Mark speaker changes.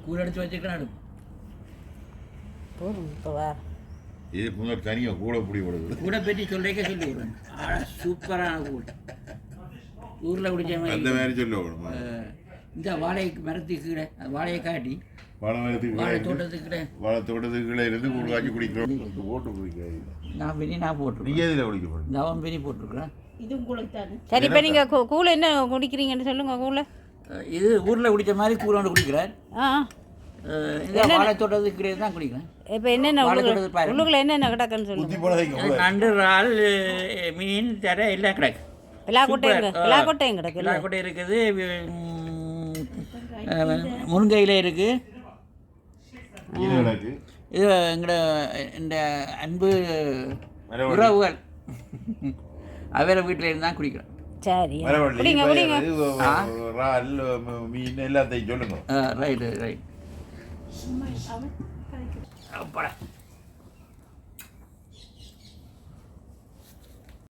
Speaker 1: கூழ் எடுத்து வச்சுக்கிறேன்
Speaker 2: போதும் இப்போ வா
Speaker 3: இது கொஞ்சம் தனியாக கூட பிடி விடுது
Speaker 1: கூட பற்றி சொல்லிக்க சொல்லி விடுறேன் சூப்பரான கூழ் ஊரில் குடிச்ச
Speaker 3: அந்த
Speaker 1: மாதிரி
Speaker 3: மாதிரி சொல்ல விடுமா
Speaker 1: இந்த வாழை மரத்துக்கு கீழே வாழையை காட்டி
Speaker 3: வாழை
Speaker 1: வாழை
Speaker 3: மரத்துக்கு
Speaker 1: தோட்டத்துக்கு கீழே
Speaker 3: வாழை தோட்டத்துக்கு கீழே இருந்து கூழ் காய்ச்சி குடிக்கிறோம் போட்டு குடிக்காது
Speaker 1: நான் போட்டிருக்கேன்
Speaker 3: நீங்கள் எதில் குடிக்க போகிறேன்
Speaker 1: தவம் பிரி போட்டிருக்கிறேன்
Speaker 2: சரி இப்போ நீங்கள் கூழ் என்ன குடிக்கிறீங்கன்னு சொல்லுங்கள் கூழ்
Speaker 1: இது ஊரில் குடித்த மாதிரி கூழ் ஒன்று குடிக்கிறேன்
Speaker 2: ஆ
Speaker 1: இந்த வாழை தோட்டத்துக்கு கீழே தான் குடிக்கிறேன்
Speaker 2: இப்போ என்னென்ன உள்ளுக்குள்ள என்னென்ன கிடக்குன்னு
Speaker 3: ஊற்றி
Speaker 2: சொல்லுங்கள்
Speaker 3: போனதைக்கு
Speaker 1: நண்டு இறால் மீன் தர எல்லாம் கிடக்கு
Speaker 2: பிலாக்கொட்டையும் கிடக்கு
Speaker 1: பிலாக்கொட்டை இருக்குது முருங்கையில் இருக்குது
Speaker 3: மீன் கிடக்கு
Speaker 1: இது எங்களோட இந்த அன்பு உறவுகள் அவரை வீட்டில் இருந்து தான் குடிக்கிறோம்
Speaker 2: சரி
Speaker 3: மரவள்ளி
Speaker 2: குடிங்க குடிங்க
Speaker 3: இறால் மீன் எல்லாத்தையும் சொல்லுங்க
Speaker 1: ரைட்டு ரைட் அப்படா